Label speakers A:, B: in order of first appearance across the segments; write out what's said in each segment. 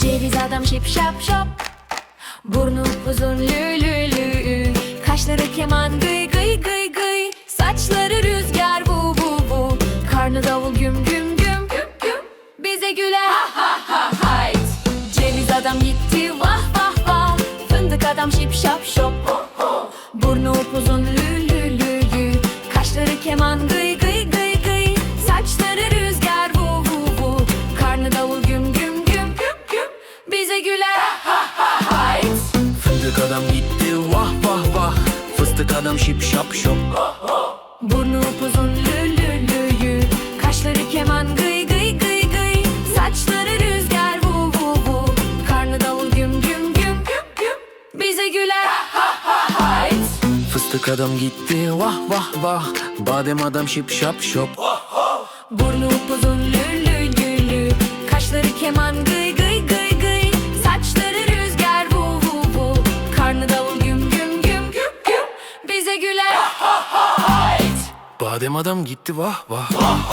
A: Ceviz adam şip şap şop, burnu uzun lü lü lü, kaşları keman gıy gıy gıy gıy, saçları rüzgar bu bu bu, karnı davul güm güm güm güm güm, bize güler ha ha ha hayt. Ceviz adam gitti vah vah vah, fındık adam şip şap şop, burnu upuzun lü lü lü lü, kaşları keman gıy gıy gıy gıy, saçları rüzgar bu bu bu, karnı davul güm güm güm güm güm, bize güler ha ha hayt.
B: Fındık adam gitti vah vah vah, fıstık adam şip şap şop,
A: burnu upuzun lü lü lü lü, kaşları keman gıy gıy gıy gıy, saçları rüzgar bu bu bu, karnı davul güm güm güm güm güm, bize güler ha ha hayt.
B: fıstık adam gitti vah vah vah, badem adam şip şap şop,
A: Burnu upuzun lü lü lü lü, kaşları keman gıy gıy gıy gıy, saçları rüzgar bu bu bu, karnı davul güm güm güm güm güm, bize güler ha ha hayt.
B: badem adam gitti vah vah.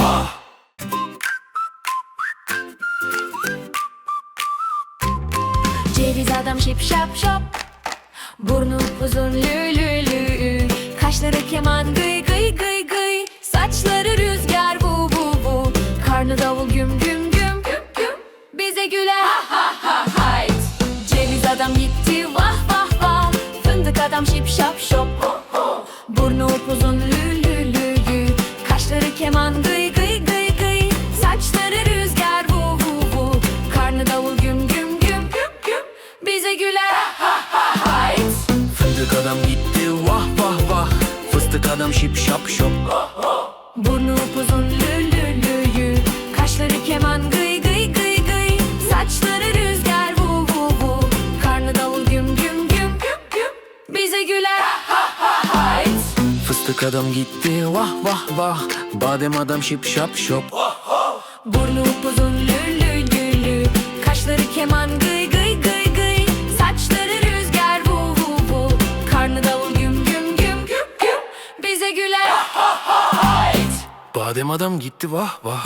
A: Ceviz adam şip şap şop, burnu uzun lü lü lü, kaşları keman gıy gıy gıy gıy, saçları rüzgar bu bu bu, karnı davul güm güm güm güm güm, bize güler ha ha ha hayt. Ceviz adam gitti vah vah vah, fındık adam şip şap şop, burnu upuzun lü lü lü lü, kaşları keman gıy gıy gıy gıy, saçları rüzgar bu bu bu, karnı davul güm güm güm güm güm, bize güler ha ha hayt.
B: Fındık adam gitti vah vah vah, fıstık adam şip şap şop,
A: Burnu upuzun lü lü lü lü, kaşları keman gıy gıy gıy gıy, saçları rüzgar bu bu bu, karnı davul güm güm güm güm güm, bize güler ha ha hayt.
B: fıstık adam gitti vah vah vah, badem adam şip şap şop,
A: Burnu upuzun lü lü lü lü, kaşları keman gıy gıy gıy gıy, saçları rüzgar bu bu bu, karnı davul güm güm güm güm güm, bize güler ha ha hayt.
B: badem adam gitti vah vah.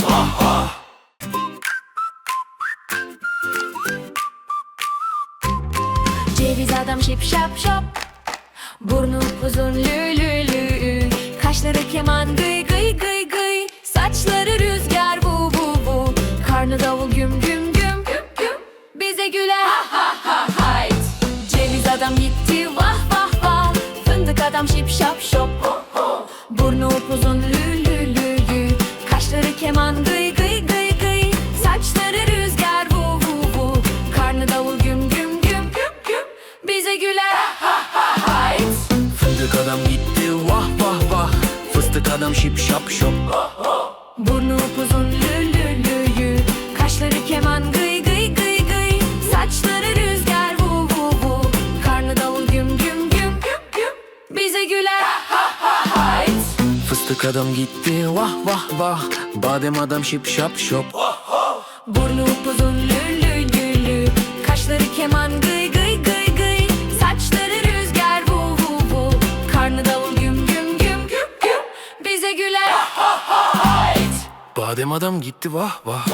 A: Ceviz adam şip şap şop, burnu uzun lü lü lü, kaşları keman gıy gıy gıy gıy, saçları rüzgar bu bu bu, karnı davul güm güm güm güm güm, bize güler ha ha ha hayt. Ceviz adam gitti vah vah vah, fındık adam şip şap şop, burnu upuzun lü lü lü lü, kaşları keman gıy gıy gıy gıy, saçları rüzgar bu bu bu, karnı davul güm güm güm güm güm, bize güler ha ha hayt.
B: Fındık adam gitti vah vah vah, fıstık adam şip şap şop,
A: Burnu upuzun lü lü lü lü, kaşları keman gıy gıy gıy gıy, saçları rüzgar bu bu bu, karnı davul güm güm güm güm güm, bize güler ha ha hayt.
B: fıstık adam gitti vah vah vah, badem adam şip şap şop,
A: Burnu upuzun lü lü lü lü, kaşları keman gıy gıy gıy gıy, saçları rüzgar bu bu bu, karnı davul güm güm güm güm güm, bize güler ha ha hayt.
B: badem adam gitti vah vah.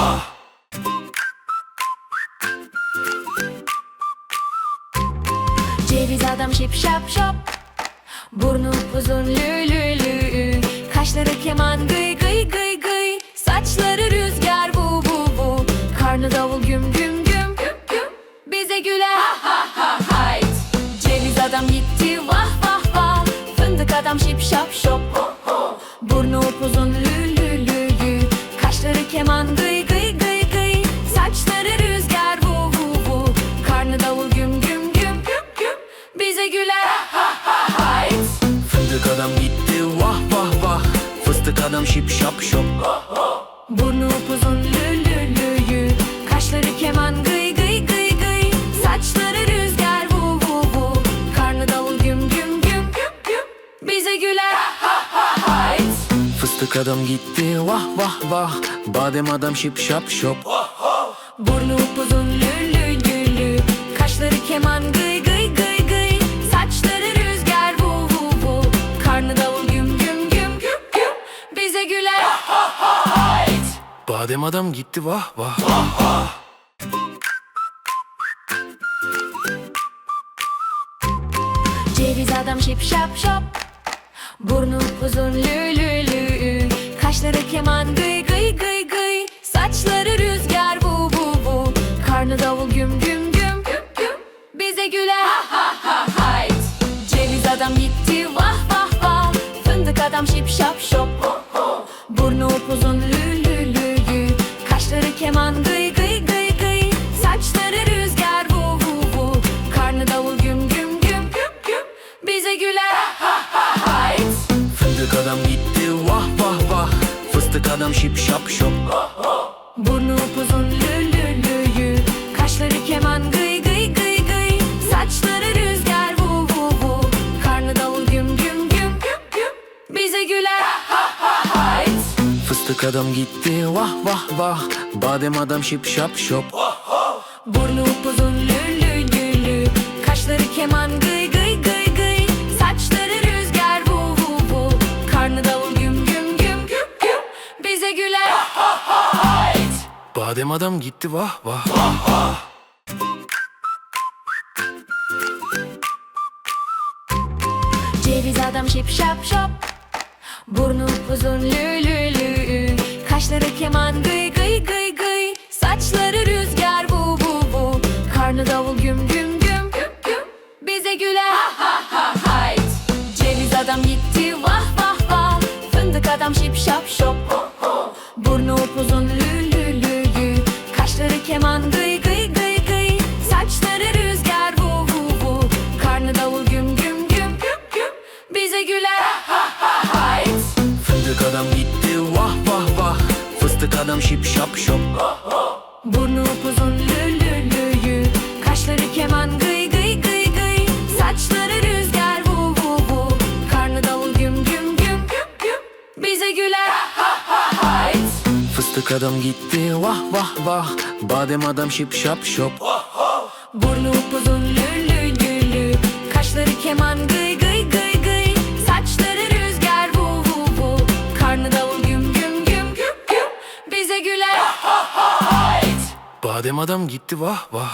A: Ceviz adam şip şap şop, burnu uzun lü lü lü, kaşları keman gıy gıy gıy gıy, saçları rüzgar bu bu bu, karnı davul güm güm güm güm güm, bize güler ha ha ha hayt. Ceviz adam gitti vah vah vah, fındık adam şip şap şop, burnu upuzun lü lü lü lü, kaşları keman gıy gıy gıy gıy, saçları rüzgar bu bu bu, karnı davul güm güm güm güm güm, bize güler ha ha hayt.
B: Fındık adam gitti vah vah vah, fıstık adam şip şap şop,
A: Burnu upuzun lü lü lü lü, kaşları keman gıy gıy gıy gıy, saçları rüzgar bu bu bu, karnı davul güm güm güm güm güm, bize güler ha ha hayt.
B: fıstık adam gitti vah vah vah, badem adam şip şap şop,
A: Burnu upuzun lü lü lü lü, kaşları keman gıy gıy gıy gıy, saçları rüzgar bu bu bu, karnı davul güm güm güm güm güm, bize güler ha ha hayt.
B: badem adam gitti vah vah.
A: Ceviz adam şip şap şop, burnu uzun lü lü lü, kaşları keman gıy gıy gıy gıy, saçları rüzgar vu vu vu, karnı davul güm güm güm güm güm, bize güler ha ha ha hayt. Ceviz adam gitti vah vah vah, fındık adam şip şap şop, burnu upuzun lü lü lü lü, kaşları keman gıy gıy gıy gıy, saçları rüzgar vu vu vu, karnı davul güm güm güm güm güm, bize güler ha ha ha hayt.
B: Fındık adam gitti vah vah vah, fıstık adam şip şap şop,
A: Burnu upuzun lü lü lü lü, kaşları keman gıy gıy gıy gıy, saçları rüzgar vu vu vu, karnı davul güm güm güm güm güm, bize güler ha ha hayt.
B: fıstık adam gitti vah vah vah, badem adam şip şap şop,
A: Burnu upuzun lü lü lü lü, kaşları keman gıy gıy gıy gıy, saçları rüzgar vu vu vu, karnı davul güm güm güm güm güm, bize güler ha ha hayt.
B: badem adam gitti vah vah.
A: Ceviz adam şip şap şop, burnu uzun lü lü lü, kaşları keman gıy gıy gıy gıy, saçları rüzgar vu vu vu, karnı davul güm güm güm güm güm, bize güler ha ha ha hayt. Ceviz adam gitti vah vah vah, fındık adam şip şap şop, burnu upuzun lü lü lü lü, kaşları keman gıy gıy gıy gıy, saçları rüzgar vu vu vu, karnı davul güm güm güm güm güm, bize güler ha ha hayt.
B: Fındık adam gitti vah vah vah, fıstık adam şip şap şop,
A: Burnu upuzun lü lü lü lü, kaşları keman gıy gıy gıy gıy, saçları rüzgar vu vu vu, karnı davul güm güm güm güm güm, bize güler ha ha hayt.
B: fıstık adam gitti vah vah vah, badem adam şip şap şop,
A: Burnu upuzun lü lü lü lü, kaşları keman gıy gıy gıy gıy, saçları rüzgar vu vu vu, karnı davul güm güm güm güm güm, bize güler ha ha hayt.
B: badem adam gitti vah vah.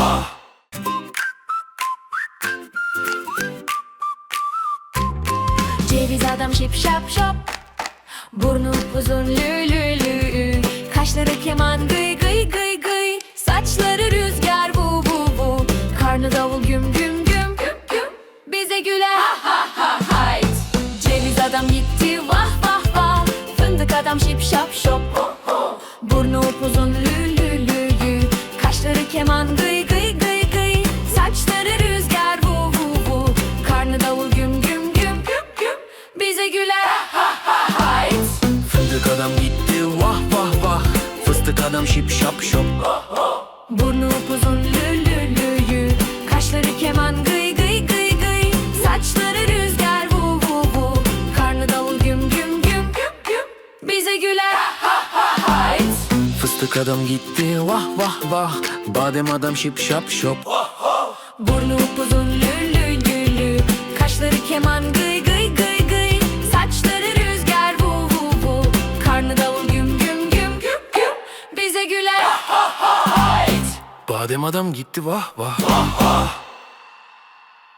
A: Ceviz adam şip şap şop, burnu uzun lü lü lü, kaşları keman gıy gıy gıy gıy, saçları rüzgar vu vu vu, karnı davul güm güm güm güm güm, bize güler ha ha ha hayt. Ceviz adam gitti vah vah vah, fındık adam şip şap şop, burnu upuzun lü lü lü lü, kaşları keman gıy gıy gıy gıy, saçları rüzgar vu vu vu, karnı davul güm güm güm güm güm, bize güler ha ha hayt.
B: Fındık adam gitti vah vah vah, fıstık adam şip şap şop,
A: Burnu upuzun lü lü lü lü, kaşları keman gıy gıy gıy gıy, saçları rüzgar vu vu vu, karnı davul güm güm güm güm güm, bize güler ha ha hayt.
B: fıstık adam gitti vah vah vah, badem adam şip şap şop,
A: Burnu upuzun lü lü lü lü, kaşları keman gıy gıy gıy gıy, saçları rüzgar vu vu vu, karnı davul güm güm güm güm güm, bize güler ha ha hayt.
B: badem adam gitti vah vah.